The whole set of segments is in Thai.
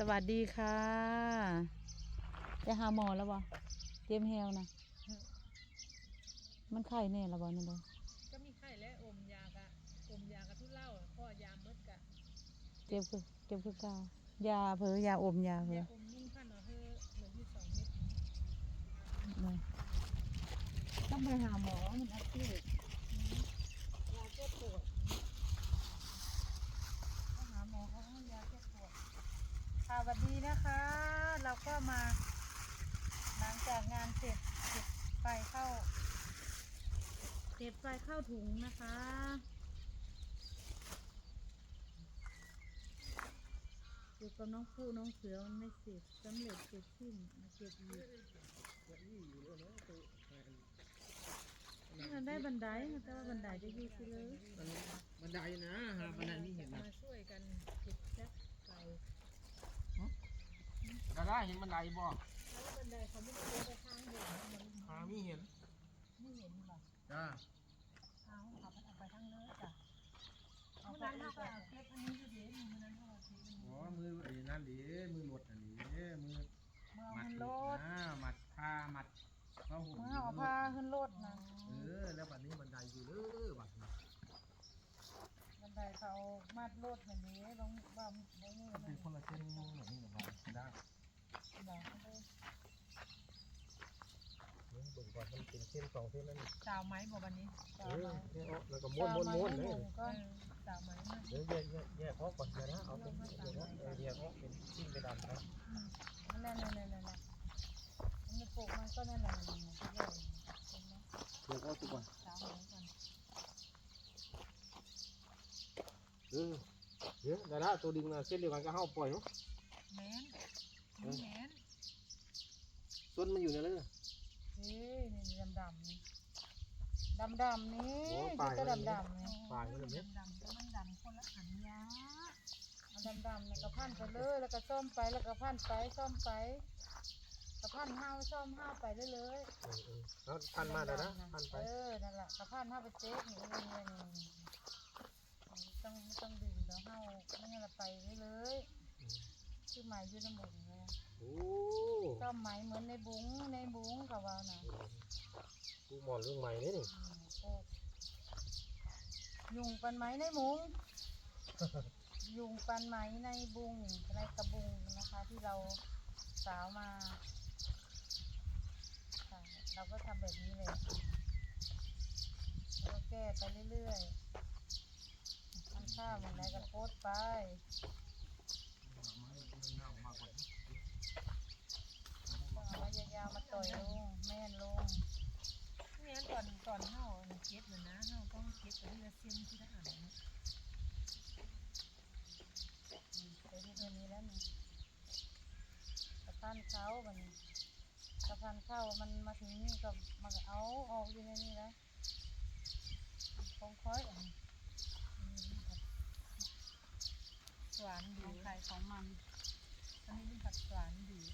วัสดีค่ะจะหาหมอแล้วบ่เจ็บแฮวนะมันไข้แน่แล้วบ่นั่นบ่ก็มีไข้และอมยากะทุเลาข้อยาเมดกะเจ็บคือเก่ายาเผลอยาอมยาเผลอยาอมนุ่นพันเอาเฮ้อเหลืออยู่2 เม็ดต้องไปหาหมอมันอักเสบยาแก้ปวดต้องหาหมอเขาให้ยาแก้ปวดค่ะสวัสดีนะคะ เราก็มาหลังจากงานเสร็จเก็บไฟเข้าถุงนะคะอยู่กับน้องผู้น้องเสือมันไม่เสร็จสำเร็จเสร็จสิ้นมาเก็บอีกมันได้บันไดแต่ว่าบันไดจะอยู่ที่เลยบันไดนะฮะบันไดนี่เห็นนะมาช่วยกันเก็บแซ่บไก่ได้เห็นบันไดบ่แล้วบันไดเขาไม่ได้เดินไปทางเดินมันไม่เห็นไม่เห็นบ่จ้าเอาขับมันออกไปทางเนื้อจ้ะเมื่อนั้นเขาก็เอาเก็บอันนี้อยู่ดีเมื่อนั้นเขาเอาเก็บอันนี้อ๋อมือไอ้นั่นดิมือหลดอันนี้มือมันโลดมัดผ้ามัดผ้าห่มเอาผ้าขึ้นโลดนะแล้วบัดนี้บันไดอยู่บัดนี้บันไดเขามัดโลดแบบนี้ต้องว่าไม่นี่เป็นคนละเส้นแบบนี้หรอวะได้เบิ่งก่อนมันเป็นเส้น2 เส้นนั่นสาวไม้บ่วันนี้แล้วก็ม้วนเลยก็สาวไม้มาเดี๋ยวแยกออกก่อนนะเอาเป็นแยกออกเป็นชิ้นไปดำนะนั่นมันปลูกมันก็นั่นแหละมันก็ใหญ่เดี๋ยวเอาตัวก่อนสาวไม้ก่อนเดี๋ยวได้ละตัวดึงเส้นเดียวกันก็เข้าปล่อยเนาะแม้นต้นมันอยู่ในนั้นนี่ดำนี่ก็ดำนี่ปลายมันเนี่ยดำก็มันดำคนละขันยาดำเนี่ยก็พันไปเลยแล้วก็ซ่อมไปแล้วก็พันไปซ่อมไปก็พันห้าวซ่อมห้าวไปเรื่อยๆแล้วพันมาแล้วนะพันไปนั่นแหละก็พันห้าวไปเจ๊กนี่ต้องดึงแล้วห้าวไม่งั้นเราไปเรื่อยคือหมายยืนน้ำบุ๋งเลยซ่อมไหมเหมือนในบุ๋งกับว่านะกูหมอนเรื่องใหม่นี่ยุงปันไหมในบุ๋งยุงปันไหมในบุ๋งในกระบุงนะคะที่เราสาวมาเราก็ทำแบบนี้เลยแล้วก็แก้ไปเรื่อยๆทำข้าวมันได้ก็โพสไปเอายาวๆมาต่อยลงแม่นลงนี่ก่อนเห่าเก็บเลยนะเห่าต้องเก็บไปเรื่อยๆเส้นที่ได้อ่านนะไปที่ตัวนี้แล้วนี่สะพานเขามันสะพานเข้ามันมาถึงนี่ก็มันเอาออกอยู่ในนี้แล้วค่อยหวานดีไข่ของมันอันนี้เป็นผัดหวานดี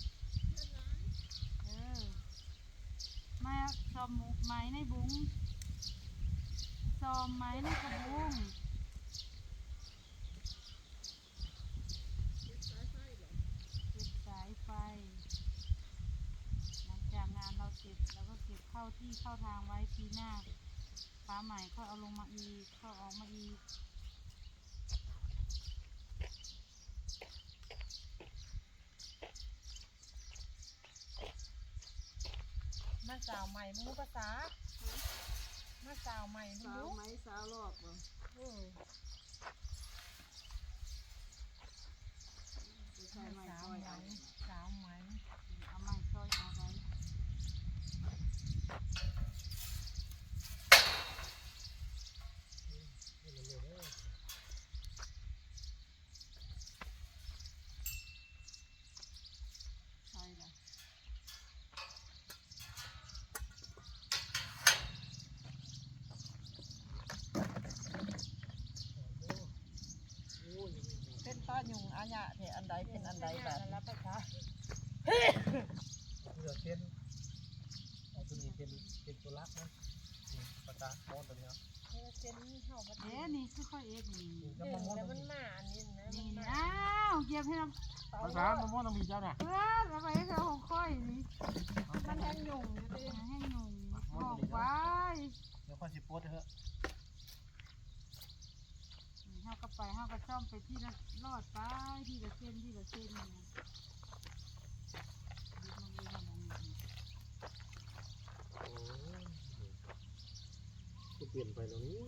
มาซอมไม้ในบุ้งซอมไม้ในกระบุงเก็บสายไฟหลังจากงานเราเสร็จแล้วก็เก็บเข้าที่เข้าทางไว้ปีหน้าฟ้าใหม่ก็เอาลงมาอีกก็ออกมาอีกมาสาวใหม่มูภาษามาสาวใหม่มูไหมสาวรอบบ่สาวไหมเอาไม้ช่วยเอาไว้เป็นต้ายุงอาญะเนี่ยอันใดเป็นอันใดแบบนั้นไปค่ะเลือกเส้นตัวนี้เป็นตัวรักนะปากกาโอนตัวนี้เส้นเห่ามานี่คือค่อยเอ็ดนี่แล้วมันมาอันนี้นะนี่อ้าวเก็บให้เราภาษามันว่าต้องมีเจ้าน่ะเพื่อทำไมเขาของค่อยนี่มันแห้งหยุ่งอยู่ดิแห้งหยุ่งบอกไว้เดี๋ยวค่อยสิโพสเถอะเฮาก็ไปเฮาก็ซ่อมไปที่ละรอดไปที่ละเส้นที่ละเส้นนี่นะยึดมันเลยมันอันนี้โอ้ยก็เปลี่ยนไปแล้วนี่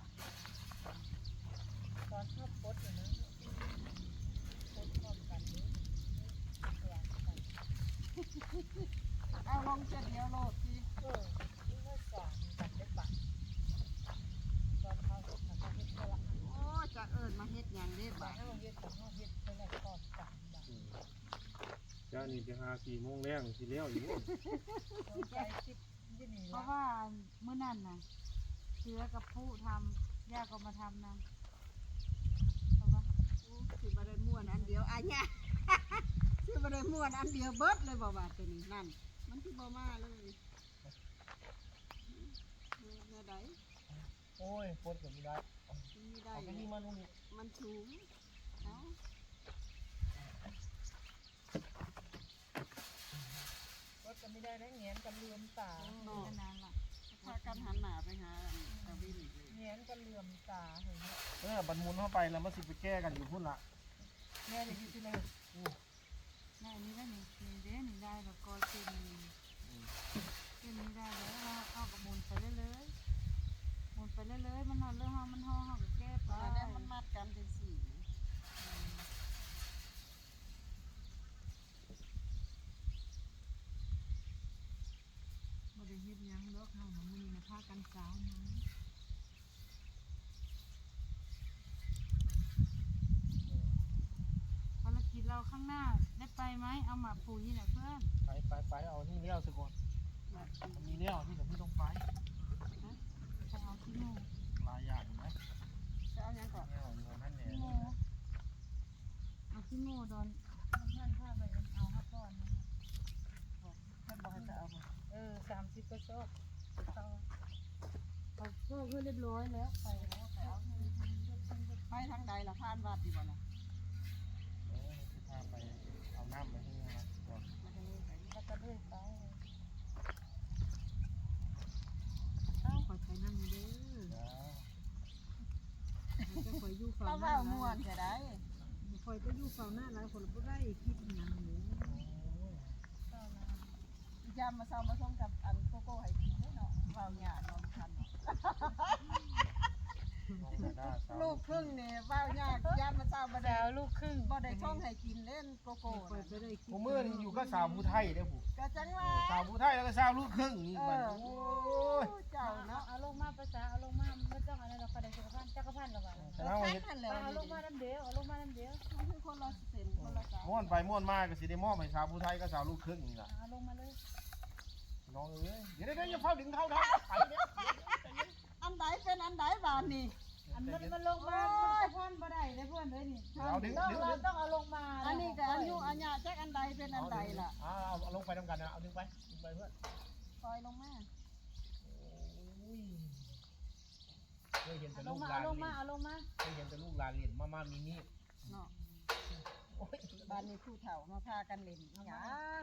ตอนชอบโพสอยู่นะโพสพร้อมกันนี้เอาลงเจ็ดเดียวโลดสินี่ไม่สอนกันได้ปะตอนเขาทำเฮ็ดเท่าไหร่โอ้จะเอิญมาเฮ็ดอย่างเด็ดบ่เฮาเฮ็ดกับเฮาเฮ็ดเท่าไหร่ก่อนกันบ่เจ้านี่ไปหา4 โมงแรงสิแล้วอยู่ใจคิดยี่นี่เพราะว่ามื้อนั้นน่ะเชื้อกับผู้ทำย่าก็มาทำนะเพราะว่าสิบ่ได้ม่วนอันเดียวอันเนี้ย สิบ่ได้ม่วนอันเดียวเบิดเลยบ่ว่าตัวนี้นั่นมันสิบ่มาเลยแม่ใดโอ้ยโพสก็ไม่ได้มันมีได้เอาไปนี่มานู่นนี่มันสูงเอ้ารถก็ไม่ได้แล้วเงียนกันเลื่อมตาขนาดล่ะพากันหันหน้าไปหาตะวินเงียนกันเลื่อมตาเห็นไหมบันมุนเข้าไปแล้วมันสิไปแก้กันอยู่พุ่นละแม่เลยอยู่ที่เลยแม่นี่ได้นี่นี่เด้นี่ได้แล้วก็เส้นนี้เส้นนี้ได้แล้วเราเอากับมุนไปเรื่อยๆมุนไปเรื่อยๆมันนอนเรื่องห้องมันห้องก็แก้ไปอันนี้มันมัดกันเป็นสีบ่ได้เฮ็ดหยังดอกเฮามันมีนะพากันสาวมาภารกิจเราข้างหน้าได้ไปไหมเอาหมาปุ๋ยน่ะเพื่อนไปเอานี่เลี้ยวซะก่อนมีเลี้ยวที่ผมไม่ต้องไปไปเอาที่โม่หลายอย่างไหมจะเอาหยังก่อนเลี้ยวอยู่นั่นแหละที่โม่เอาที่โม่ดอนท่านพาไปเอาฮักก่อนนะเพิ่นบอกให้จะเอาบ่ 30ก็ชอบเขาก็เพื่อเรียบร้อยแล้วไปแล้วไปเอาให้ไปทางใดล่ะผ่านวัดดีบ่ล่ะคือพาไปเอาน้ำไปที่นี่นะก่อนมาทางนี้ไปแล้วก็เลื่อยไปขอใช้น้ำนี่เด้อแล้วมันจะคอยอยู่ฝั่เรางหเว้าน้าม่วนจะได้คอยจะอยู่ฝั่งหน้าหลายคนบ่ได้คิดหยังหนูยามมาเช้ามาส่งกับอันโกโก้ให้กินเนาะเว้าหยาเนาะทัน ลูกครึ่งนี่เว้ายากยามมาเช้าบ่ได้สาวลูกครึ่งบ่ได้ส่งให้กินเล่นโกโก้น่ะผมมือนี่อยู่ก็สาวผู้ไทยเด้อผู้ก็จังว่าสาวผู้ไทยแล้วก็สาวลูกครึ่งนี่มันโอ้ยเจ้าเนาะเอาลงมาภาษาเอาลงมาไม่ต้องอะไรเราคได้จักรพันธ์หรอกว่าแต่เราเห็นนั่นแหละเอาลงมาน้ำเดียวเอาลงมาน้ำเดียวมันคือคนละเส้นคนละสายม่วนไปม่วนมาก็สิได้มอบให้สาวผู้ไทยก็สาวลูกครึ่งนี่ล่ะเอาลงมาเลยน้องเอ้ยเดี๋ยวอย่าเฝ้าดึงเท้าไปเด้ออันใดเป็นอันใดบานนี่อันมันลงมาจักรพันธ์บ่ได้เลยเพื่อนเลยนี่เอาดึงเราต้องเอาลงมาอันนี้ก็อายุอัญญาจักอันใดเป็นอันใดล่ะเอาลงไปทำกันนะเอาดึงไปเพื่อนปล่อยลงมาโอ้ยเคยเห็นแต่ลลูงกมาหลานลงเล่มาน เอาลงมาเคยเห็นแต่ลูกหลานเล่นมามีนี่เนาะโอ้ยบ้านนี้ผู้เฒ่ามาพากันเล่นอีหยัง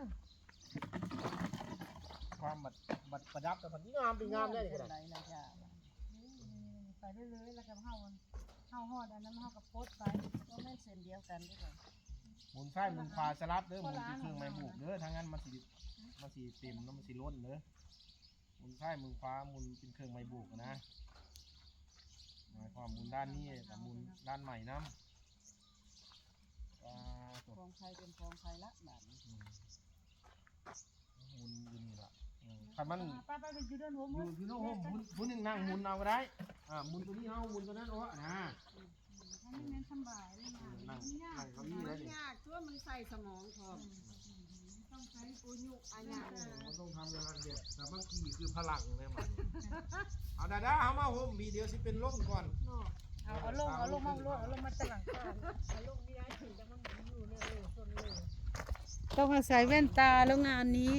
ความบัดประดับแต่มันงามเป็นงามได้เป็ขนนาดไรล่ะจ้าไปเรื่อยๆแล้วก็เฮาฮอดอันนั้นเฮาก็โพสไปก็แม่นเส้นเดียวกันเด้วยกันหมุนซ้ายหมุนขวาสลับเด้อหมุนที่เครื่องไม้บุกเด้อทั้งนั้นมันสิเต็มแล้วมันสิล้นเด้อหมุนซ้ายหมุนขวาหมุนเป็นเครื่องไม้บุกนะหมายความหมุนด้านนี้กับหมุนด้านใหม่น้ำตัวของใครเป็นของใครละบาดนี้หมุนอยู่นี่ล่ะคันมันไปอยู่ด้านหัวอมืยู่อที่โน้มหมุนหนึ่งนั่งหมุนเอาก็ได้หมุนตัวนี้เอาหมุนตัวนั้นเอานะให้เน้นสบายเลยนะนั่งเขานี่มัแล้วนนี่ยากตัวมันใส่สมองพร้อมต้องใช้อุยุอัญญามันต้องทำงานเด็ดแต่บางทีคือพลังเลยมันเอาดาเอามาผมมีเดียวสิเป็นล่มก่อนเนาะเอาลงมาตะหลังข้างเอาลงนี่ได้ถึงจะมันอยู่เนี่ยส่วนเลยต้องอาศัยแว่นตาแล้วงานนี้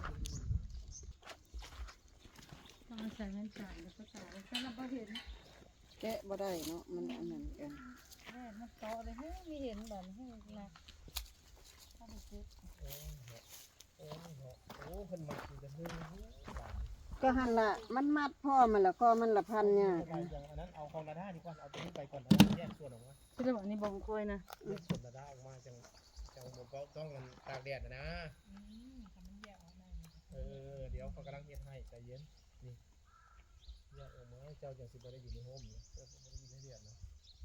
ต้องอาศัยแว่นตาแล้วก็ตาแล้วถ้าเราเห็นแกะบ่ได้เนาะมันอันนั้นกันแม่มันโตเลยเฮ้ยมีเห็นแบบให้นะโอ้เพิ่นมัดอยู่กันเพิ่นบาดก็หันละมันมัดพ่อมันละก็มันละพันเนี่ยไปอย่างอันนั้นเอาของระด้าดีกว่าเอาตัวนี้ไปก่อนเอาแยกส่วนออกมาที่เราบอกนี่บองกล้วยนะแยกส่วนระด้าออกมาจังผมก็ต้องกันตากแดดนะเดี๋ยวเขากำลังเฮ็ดให้ใจเย็นนี่แยกออกมาเจ้าจังสิบ่ได้อยู่ในโฮมเนี่ยเจ้าบ่ได้อยู่ในเดือนนะ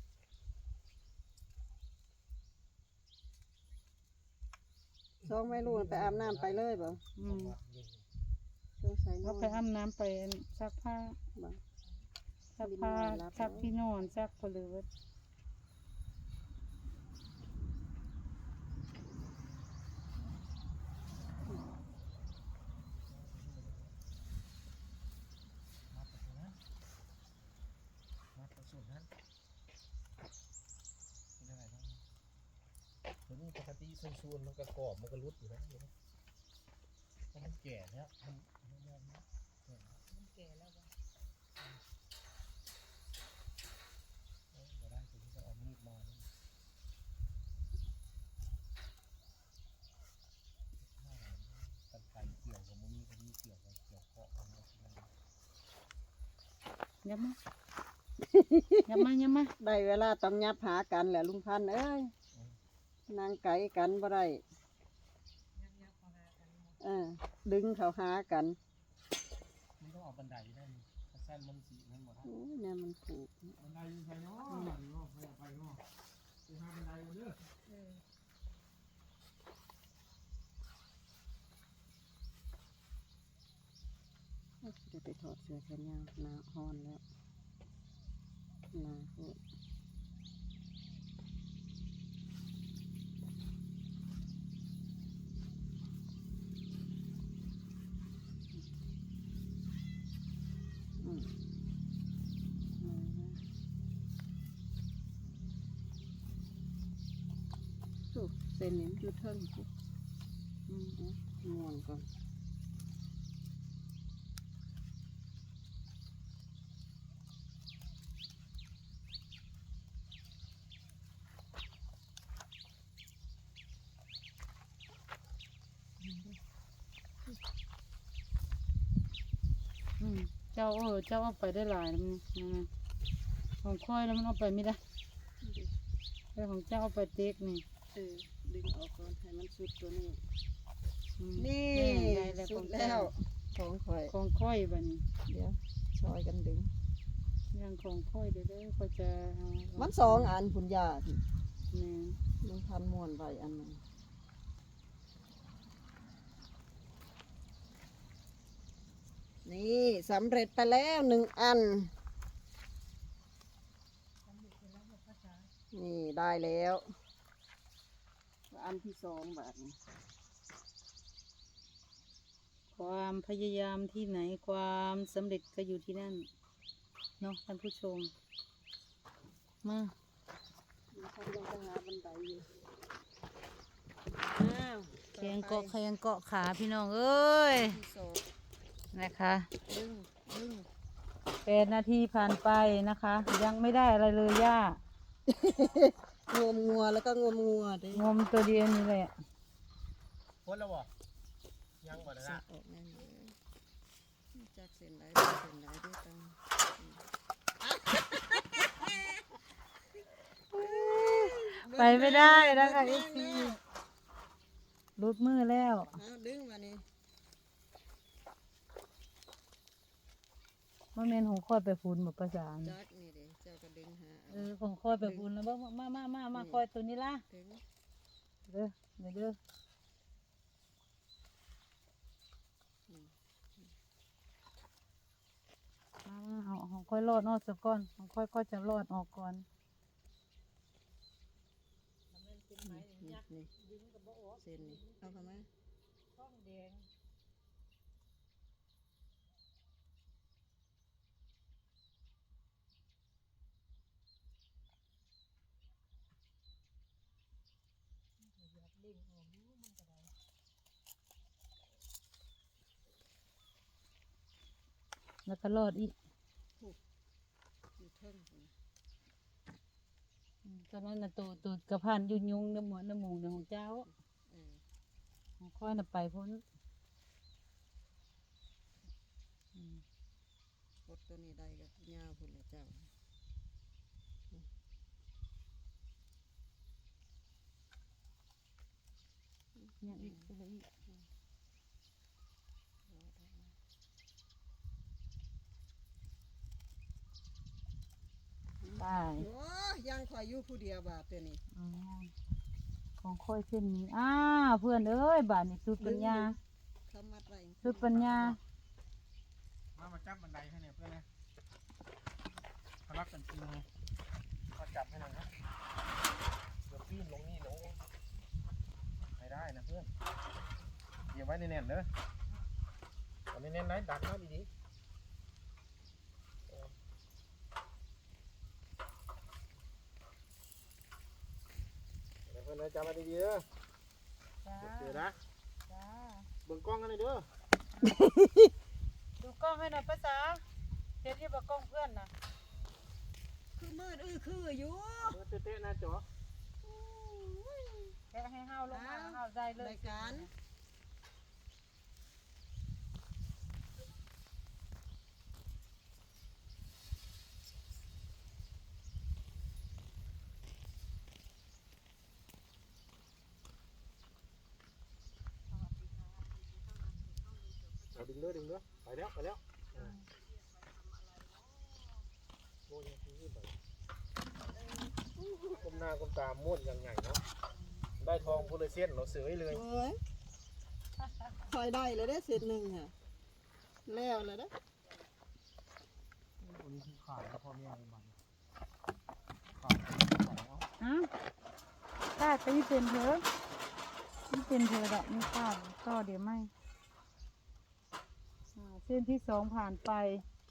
สองไม่รู้ไปอาบน้ำไปเลยบ่อืมสงสัยเขาไปอาบน้ำไปซักผ้าบ่ซักผ้าซักที่นอนซักผลือมาประสูตรนั้นเป็นอะไรบ้างตัวนี้ปกติซูนๆมันก็กรอบมันก็รุดอยู่แล้วเพราะมันแก่แล้วมันแก่แล้วบ่ได้ตัวนี้ก็เอามีดมาตัดไก่เกี่ยวกับมือนี้ก็มีเกี่ยวกับเกี่ยวเคาะกันแล้วยับมายับมายับมาได้เวลาต้องยับหากันแหละลุงพันธุ์เอ้ยนางไก่กันบ่ได้ดึงเขาหากันนี่ต้องเอาบันไดได้นี่ถ้าสั้นมันสีนั่นหมดโอ้ยเนี่ยมันผูกบันไดอยู่ไสเนาะนี่เนาะไปเนาะไปหาบันไดกันเด้อจะไปถอดเสื้อแขนยาวหนาฮอนแล้วหนาโหดอืมสุกเส้นนี้มันอยู่เทิงปุ๊บม่วนก่อนเจ้าเจ้าเอาไปได้หลายนะมันของค่อยแล้วมันเอาไปไม่ได้แต่ของเจ้าเอาไปเต็กนี่ดึงออกก่อนให้มันสุดตัวนี้อืมนี่ได้แล้วสุของดเจ้าแล้วของข่อยของค่อยบัดนเดี๋ยวซอยกันดึงยังของค่อยเด้อค่อยจะเอามันสองอันคุณยาที่แม่ลุงพันม่วนไว้อันหนึงนี่สำเร็จไปแล้วหนึ่งอัน นี่ได้แล้ว อันที่สองแบบนี้ความพยายามที่ไหนความสำเร็จก็อยู่ที่นั่นเนาะท่านผู้ชมมาลุงพันยังไปหาบันไดอยู่อ้าวแขงเกาะแขงเกาะขาพี่น้องเอ้ยที่สองนะคะดึง 8 นาทีผ่านไปนะคะ ยังไม่ได้อะไรเลยย่างมงัวแล้วก็งมงัวดิงมตัวเดียวนี่แหละพ้นแล้วบ่ยังบ่ได้สันะกออกแน่เลยจากเส้นไหนเส้นไหนด้วยกันไปไม่ได้นะคะเอซีรุดมือแล้วเอาดึงมานี่มันเมนของค่อยไปฟูนหมดภาษาจักนี่เด้เจ้าก็ดึงหาของค่อยไปฟูนแล้วมาค่อยตัวนี้ล่ะดึงเด้อเด้อเอาของค่อยรอดออกซะก่อนของค่อยก็จะรอดออกก่อนนี่เส้นนี่เอาเข้ามาแล้วก็รอดอีกอยู่เทิงพุ่นตอนนั้นน่ะตูดกระพันยุ่งน้ำหมูน้ำหมูของเจ้าเออค่อยน่ะไปพ้นอืมกดตัวนี้ได้ก็ยาวพุ่นละเจ้าเนี่ยอีกไปเลยอีกได้โอ้ยังคอยอยู่ผู้เดียวบาดตัวนี้อืมของค่อยเส้นนี้เพื่อนเอ้ยบาทนี่สุดปัญญาเขามัดไว้สุดปัญญามาจับบันไดให้เนี่ยเพื่อนนะเขารักกันจริงเลยมาจับให้หน่อยนะเดี๋ยวปีนลงนี่ลงไม่ได้นะเพื่อนเดี๋ยวไว้แน่นๆเด้อเอาแน่นๆไหนดันมาดีๆเดี๋ยวเพื่อนนะจับมาดีๆเด้อจ้าเดี๋ยวนะจ้าเบิ่งกล้องกันเลยเด้อดูกล้องให้หน่อยภาษาเห็นที่บอกกล้องเพื่อนนะคือมืดคืออยู่เบิ่งเตะๆนะจ๋อแกะให้ห้าวลงมาห้าวได้เลยรายการเอาดึงเด้อไปแล้วโอ้ยนี่ไปก้มหน้าก้มตาม้วนอย่างใหญ่เนาะได้ทองโพลิเซียนเราซื้อไว้เลยโอ้ยคอยได้เลยได้เศษหนึ่งค่ะแล้วเลยได้วันนี้คือขาดพ่อแม่ในมันขาดของเอาถ้าจะไม่เป็นเธอไม่เป็นเธอดอกไม่พลาดก็เดี๋ยวไม่เส้นที่สองผ่านไป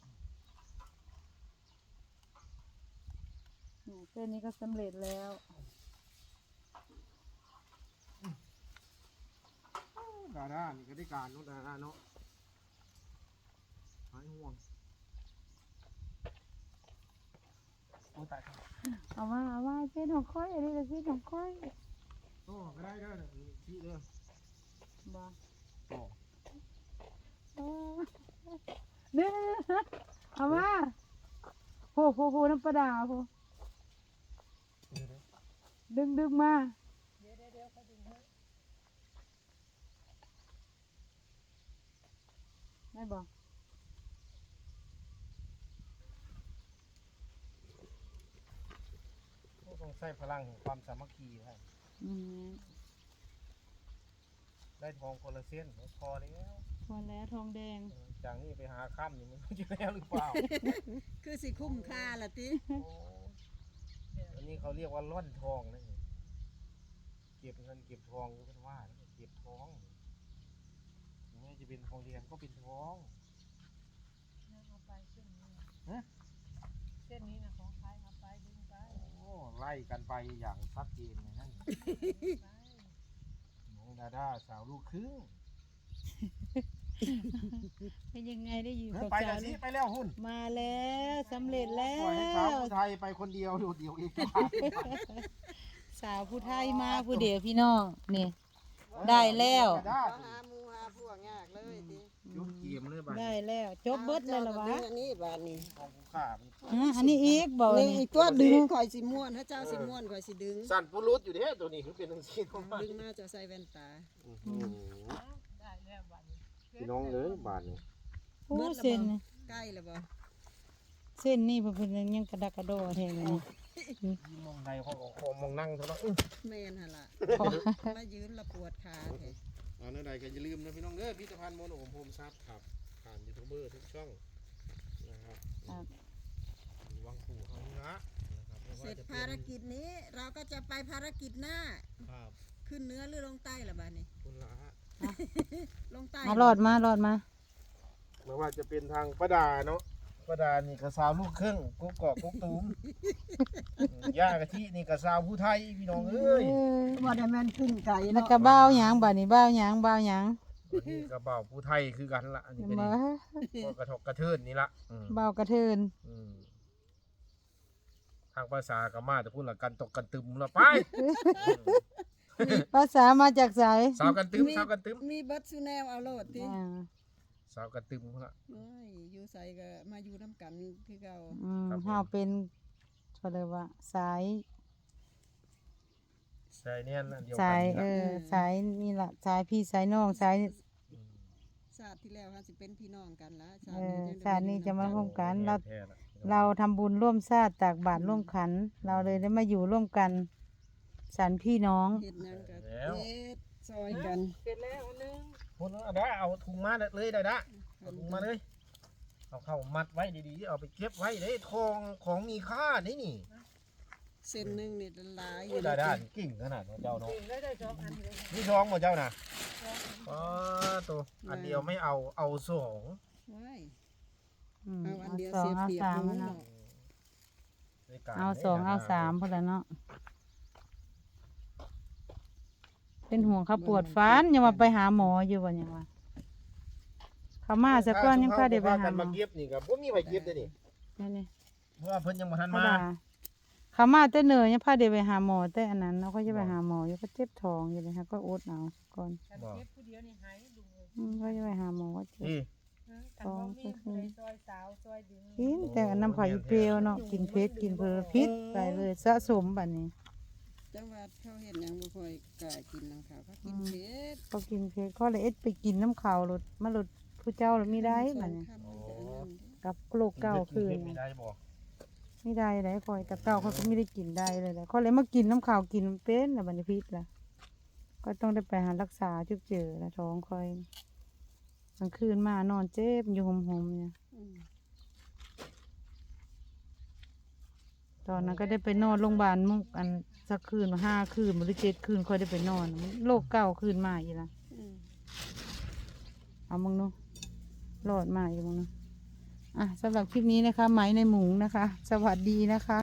เส้นนี้ก็สำเร็จแล้วดาด้านี่ก็ได้การเนาะดาด้าเนาะหายห่วงโอ้ตายเอาว่าเส้นของค่อยอันนี้ก็เส้นของค่อยโอ้ก็ได้เด้อพี่เด้อบ่โอ้เนี่ยเอาว่าโหน้ำปลาดาโหดึงมาได้บ่ต้องใช้พลังแห่งความสามัคคีให้อืมได้ทองโพลิเซียนพอแล้วพอแล้วทองแดงจากนี้ไปหาค่ำนี่มันจะแล้วหรือเปล่าคือสิคุ้มค่าละติอันนี้เขาเรียกว่าล่อนทองนะเก็บเงินเก็บทองก็เป็นว่าเก็บทองไม่จะเป็นทองแดงก็เป็นทองเอาไปเส้นนี้ฮะเส้นนี้นะของใครเอาไปดึงไปโอ้ไล่กันไปอย่างชัดเจนเลยนั่นน้องดาด้าสาวลูกครึ่งเป็นยังไงได้อยู่เออกับไปสาแล้ววสิไปแล้วหุ่นมาแล้วสำเร็จแล้ปล่อยให้สาววผู้ไทยไปคนเดียวโดดเดี่ยวเองสาวผู้ไทยมาผู้เดียวพี่น้องนี่ ได้แล้วดาก็หาหมูหาพวกยากเลยติยกเกียมเลยบ้านได้แล้วจบเบิดเลยเหรอวะอันนี้บาดนี้ทองผู้ขามันอันนี้อีกบอกนี่นี่อีกตัวดึงข่อยสิม่วนถ้าเจ้าสิม่วนข่อยสิดึงสั่นปุรุษอยู่เด้ตัวนี้คือเป็นทั้งสิ้นของมันดึงมาจะใส่แว่นตาโอ้โหพี่น้องเลยบาทนี่โอ้เส้นนี่ใกล้แล้วบ่เส้นนี่เพิ่นยังกระดักกระโดดแทงเลยมองใดเขาก็ขอมองนั่งเท่านั้นแม่นหั่นล่ะมายืนละปวดขาแท้เอาเนื้อใดก็อย่าลืมนะพี่น้องเด้อพิพิธภัณฑ์โมโนโฮมซับครับผ่านยูทูบเบอร์ทุกช่องนะครับครับวังปู่เฮานี่ละนะครับไม่เสว่าร็จจะเป็นภารกิจนี้เราก็จะไปภารกิจหน้าครับขึ้นเหนื้อหรือลงใต้ล่ะบาดนี้คุณละลงใต้รอดมาไม่ว่าจะเป็นทางป้าดาเนาะป้าดานี่กระซาวลูกครึ่งกุ๊กกอกกุ๊กตูมย่ากะทินี่กระซาวผู้ไทยพี่น้องเอ้ยบ่ได้แม่นขึ้นไกลแล้วเนาะก็บ้าวหยังบัดนี้บ้าวหยังนี่กระเป๋าผู้ไทยคือกันละอันนี้ก็มาดีก็กระทบกระเทินนี่ละอืมบ้าวกระเทินอืมทางภาษากะมาจะพูดละกันตกกันตึมละไปภาษามาจากสายสาวกันตึมสาวกันตึมมีเบิดซูแนวเอาโลดติอ่าสาวกันตึมพุ่นละเอ้ยอยู่ใส่ก็มาอยู่น้ำกันคือเก่าเฮาเป็นเขาเรียกว่าสายใช่เนี่ยนะเดียวสากันยนี่ล่ะสายนี่ล่ะสายพี่สายน้องสายชาติที่แล้วค่ะสิเป็นพี่น้องกันละชาเอติอนี้ชาตินี้จะมาร่วมกันเราแท้ๆล่ะเราทำบุญร่วมชาติตากบาตรร่วมขัน เราเลยได้มาอยู่ร่วมกันสันพี่น้องเฮ็ดหยังก็เฮ็ดซอยกันเสร็จแล้วอันนึงพุ่นเอาได้เอาถุงมาเลยได้ละเอาถุงมาเลยเอาเข้ามัดไว้ดีๆเอาไปเก็บไว้ได้ทองของมีค่านี่นี่เส้นหนึงนี่หลายอโอ้ยู่ยได้ด้านกิ่งขนาดนั้นเจ้าเนาะจริงได้สองอันเลยนี่ทองหมดเจ้าน่ะอ๋อตัวอันเดียวไม่เอาสองไว้อืมเอาอันเอาเดียวสองเสียเอาเปรียบสามหมูเนาะเนาะด้วยกันเอาสองเอาสามพอแล้วเนาะเป็นห่วงเขาปวดฟันยังมาไปหาหมออยู่บ่ยังวะเขามาสักก้อนยังพาเดี๋ยวไปหากันหมมาอเก็บนี่ครับบ่มีไผเก็บเด้นี่นี่เพราะว่าเพิ่นยังบ่ทันเขามาด่าเขามาแต่เหนื่อยยังพาเดี๋ยวไปหาหมอแต่อันนั้นเราก็จะไปหาหมออยู่ก็เจ็บท้องอยู่เลยค่ะก็อดเอาก่อนฉันเก็บผู้เดียวนี่หายดุเลยก็จะไปหาหมอก็เจ็บนี่ฉันบ่มีผู้ใดซอยสาวซอยดึงกินแต่อันน้ำเขาอยู่เปรี้ยวเนาะกินเผ็ดกินเพลพิษไปเลยสะสมบัดนี้จังหวัดเขาเห็นหยังบ่ค่อยกล้ากินน้ำขาวเขากินเผ็ดก็กินเผ็ดเขาเลยเอ็ดไปกินน้ำเขาวรถมาลดผู้เจ้าหรือไม่ได้สอบัดงนี้คำมันก็อันนั้นเด้กับโรคเก่าคืนไม่ได้บ่ไม่ได้เลยคอยแต่เก่าเขาก็ไม่ได้กินได้เลยแหละเขาเลยมากินน้ำขาวกินเป็นแล้วบัดนี้พิษล่ะก็ต้องได้ไปหารักษาจุกเจอแล้วท้องคอยกลางคืนมานอนเจ็บอยู่หมๆเนี่ยอืมตอนนั้นก็ได้ไปนอนโรงพยาบาลมุกอันสักคืนมา5 คืนหรือ7 คืนค่อยได้ไปนอนโรคเก่าคืนมาอีกละอืมเอามึงเนาะรอดมาอีกมึงเนาะอ่ะสำหรับคลิปนี้นะคะไหมในหมูนะคะ สวัสดีนะคะ